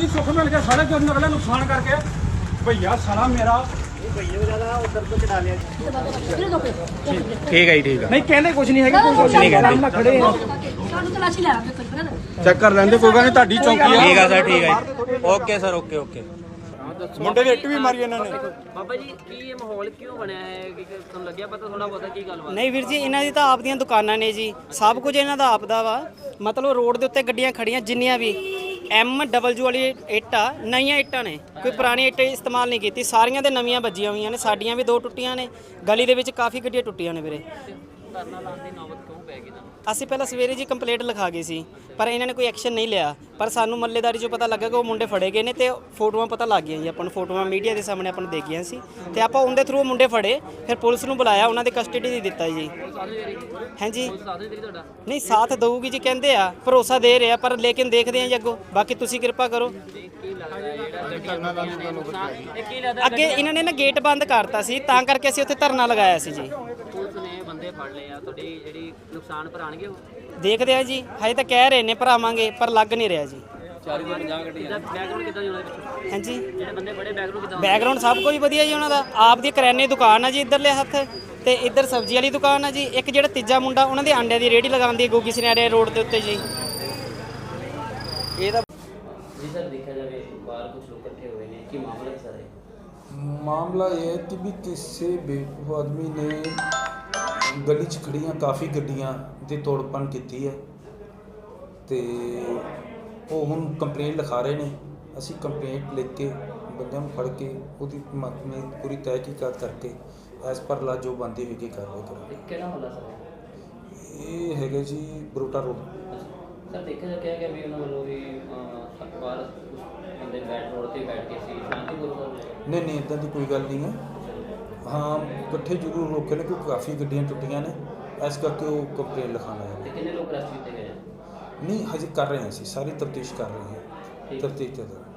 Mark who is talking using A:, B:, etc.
A: जी सुख मिल गया साढ़े जो अगला नुकसान करके भैया सारा मेरा
B: ठीक है जी, ठीक है।
A: नहीं कहने कुछ नहीं है
B: कुछ नहीं कहते।
A: खड़े चेक कर लेंगे कोई गल नहीं ਤੁਹਾਡੀ ਚੌਂਕੀ ਆ
B: ठीक है सर, ठीक है। Okay sir, okay okay.
A: ਮੁੰਡੇ ਦੇ ਇੱਟ ਵੀ ਮਾਰੀ ਇਹਨਾਂ ਨੇ।
C: ਬਾਬਾ ਜੀ ਕੀ ਇਹ ਮਾਹੌਲ ਕਿਉਂ ਬਣਿਆ ਹੈ ਕਿ ਤੁਹਾਨੂੰ ਲੱਗਿਆ ਪਤਾ ਥੋੜਾ ਬਹੁਤਾ ਕੀ ਗੱਲਬਾਤ?
D: ਨਹੀਂ ਵੀਰ ਜੀ, ਇਹਨਾਂ ਦੀ ਤਾਂ ਆਪ ਦੀਆਂ ਦੁਕਾਨਾਂ ਨੇ ਜੀ, ਸਭ ਕੁਝ ਇਹਨਾਂ ਦਾ ਆਪ ਦਾ ਵਾ। ਮਤਲਬ ਰੋਡ ਦੇ ਉੱਤੇ ਗੱਡੀਆਂ ਖੜੀਆਂ ਜਿੰਨੀਆਂ ਵੀ MW ਵਾਲੀ ਇੱਟ ਆ, ਨਵੀਆਂ ਇੱਟਾਂ ਨੇ, ਕੋਈ ਪੁਰਾਣੀ ਇੱਟ ਇਸਤੇਮਾਲ ਨਹੀਂ ਕੀਤੀ, ਸਾਰੀਆਂ ਦੇ ਨਵੀਆਂ ਵੱਜੀਆਂ ਹੋਈਆਂ ਨੇ। ਸਾਡੀਆਂ ਵੀ 2 ਟੁੱਟੀਆਂ ਨੇ, ਗਲੀ ਦੇ ਵਿੱਚ ਕਾਫੀ ਗੱਡੀਆਂ ਟੁੱਟੀਆਂ ਨੇ ਵੀਰੇ।
C: ਧਰਨਾ ਲਾਉਣ ਦੀ ਨੌਬਤ ਕਿਉਂ ਪੈ ਗਈ ਤੁਹਾਨੂੰ?
D: ਅਸੀਂ ਪਹਿਲਾਂ ਸਵੇਰੇ ਜੀ ਕੰਪਲੇਂਟ ਲਿਖਾ ਗਏ ਸੀ, ਪਰ ਇਹਨਾਂ ਨੇ ਕੋਈ ਐਕਸ਼ਨ ਨਹੀਂ ਲਿਆ। ਪਰ ਸਾਨੂੰ ਮੱਲੇਦਾਰੀ 'ਚੋਂ ਪਤਾ ਲੱਗਾ ਕਿ ਉਹ ਮੁੰਡੇ ਫੜੇ ਗਏ ਨੇ ਤੇ ਫੋਟੋਆਂ ਪਤਾ ਲੱਗ ਗਈਆਂ ਜੀ ਆਪਾਂ ਨੂੰ, ਫੋਟੋਆਂ ਮੀਡੀਆ ਦੇ ਸਾਹਮਣੇ ਆਪਾਂ ਨੂੰ ਦੇਖ ਗਈਆਂ ਸੀ ਤੇ ਆਪਾਂ ਉਹਦੇ ਥਰੂ ਮੁੰਡੇ ਫੜੇ, ਫਿਰ ਪੁਲਿਸ ਨੂੰ ਬੁਲਾਇਆ, ਉਹਨਾਂ ਦੇ ਕਸਟਡੀ ਦੇ ਦਿੱਤਾ ਜੀ। ਹਾਂਜੀ ਨਹੀਂ ਸਾਥ ਦਊਗੀ ਜੀ, ਕਹਿੰਦੇ ਆ, ਭਰੋਸਾ ਦੇ ਰਿਹਾ, ਪਰ ਲੇਕਿਨ ਦੇਖਦੇ ਆ ਜੀ ਅੱਗੋਂ। ਬਾਕੀ ਤੁਸੀਂ ਕਿਰਪਾ ਕਰੋ। ਅੱਗੇ ਇਹਨਾਂ ਨੇ ਨਾ ਗੇਟ ਬੰਦ ਕਰਤਾ ਸੀ, ਤਾਂ ਕਰਕੇ ਅਸੀਂ ਉੱਥੇ ਧਰਨਾ ਲਗਾਇਆ ਸੀ ਜੀ।
C: ਪੁਲਿਸ ਨੇ ਬੰਦੇ ਫੜ ਲਏ ਆ, ਤੁਹਾਡੀ ਜਿਹੜੀ ਨੁਕਸਾਨ ਭਰਾਣਗੇ ਉਹ
D: ਦੇਖਦੇ ਆ ਜੀ, ਹਜੇ ਤਾਂ ਕਹਿ ਰਹੇ ਨੇ ਭਰਾਵਾਂਗੇ, ਪਰ ਲੱਗ ਨਹੀਂ ਰਿਹਾ ਜੀ।
C: 40-50 ਗੱਡੀਆਂ ਬੈਕਗ੍ਰਾਉਂਡ ਕਿੱਦਾਂ ਜੀ ਉਹਨਾਂ ਦੇ?
D: ਹਾਂਜੀ
C: ਜਿਹੜੇ ਬੰਦੇ ਬੜੇ ਬੈਕਗ੍ਰਾਉਂਡ ਕਿੱਦਾਂ?
D: ਬੈਕਗ੍ਰਾਉਂਡ ਸਭ ਕੁਝ ਵਧੀਆ ਜੀ ਉਹਨਾਂ ਦਾ। ਆਪ ਦੀ ਕਰਿਆਨੇ ਦੀ ਦੁਕਾਨ ਆ ਜੀ ਇੱਧਰਲੇ ਹੱਥ, ਤੇ ਇੱਧਰ ਸਬਜ਼ੀ ਵਾਲੀ ਦੁਕਾਨ ਆ ਜੀ। ਇੱਕ ਜਿਹੜਾ ਤੀਜਾ ਮੁੰਡਾ, ਉਹਨਾਂ ਦੇ ਆਂਡਿਆਂ ਦੀ ਰੇਹੜੀ ਲਗਾਉਂਦੀ ਹੈ ਗੋਗੀ ਸਨਿਆਰੇ ਰੋਡ ਦੇ ਉੱਤੇ ਜੀ। ਇਹਦਾ
C: ਜੀ ਸਰ ਦੇਖਿਆ ਜਾਵੇ ਬਾਹਰ ਕੁਝ ਲੋਕ ਇਕੱਠੇ ਹੋਏ ਨੇ, ਕੀ ਮਾਮਲਾ ਹੈ ਸਰ?
E: मामला ये है कि भी किसी बेवकूफ़ आदमी ने गली च खड़ियां काफ़ी गड्डियां ਦੀ ਤੋੜਪਨ ਕੀਤੀ ਹੈ ਤੇ ਉਹ ਹੁਣ ਕੰਪਲੇਂਟ ਲਿਖਾ ਰਹੇ ਨੇ। ਅਸੀਂ ਕੰਪਲੇਂਟ ਲਿਖ ਕੇ ਬੰਦਿਆਂ ਨੂੰ ਫੜ ਕੇ ਉਹਦੀ ਮਹਕਮੇ ਪੂਰੀ ਤਹਿਕੀਕਾਤ ਕਰਕੇ ਐਸ ਪਰ ਲਾ ਜੋ ਬੰਦੀ ਹੋਏਗੀ ਕਾਰਵਾਈ ਕਰਾਂਗੇ।
C: ਕਿਹੜਾ ਹੁੰਦਾ ਸਰ?
E: ਇਹ ਹੈਗਾ ਜੀ ਬਰੋਟਾ ਰੋਡ।
C: ਸਰ ਦੇਖਿਆ ਜਾ ਕਿ ਵੀ ਉਹਨਾਂ ਵੱਲੋਂ ਵੀ ਬਾਹਰ ਬੰਦੇ ਬੈਠ ਰੋਡ ਤੇ ਬੈਠ ਕੇ ਸੀ ਸ਼ਾਂਤੀਪੂਰਵਕ?
E: ਨਹੀਂ ਨਹੀਂ ਇੱਦਾਂ ਦੀ ਕੋਈ ਗੱਲ ਨਹੀਂ ਹੈ। ਹਾਂ ਇਕੱਠੇ ਜ਼ਰੂਰ ਰੋਕੇ ਨੇ ਕਿਉਂਕਿ ਕਾफ़ੀ ਗੱਡੀਆਂ ਟੁੱਟੀਆਂ ਨੇ, ਇਸ ਕਰਕੇ ਉਹ ਕੰਪਲੇਂਟ ਲਿਖਾਉਣਾ ਹੈ।
C: ਤੇ ਕਿੰਨੇ ਲੋਕ ਅਰੈਸਟ ਕੀਤੇ ਗਏ?
E: ਨਹੀਂ ਹਜੇ ਕਰ ਰਹੇ ਹਾਂ, ਅਸੀਂ ਸਾਰੀ ਤਫਤੀਸ਼ ਕਰ ਰਹੇ ਹਾਂ, ਤਫਤੀਸ਼ ਚੱਲ ਰਹੀ ਹੈ।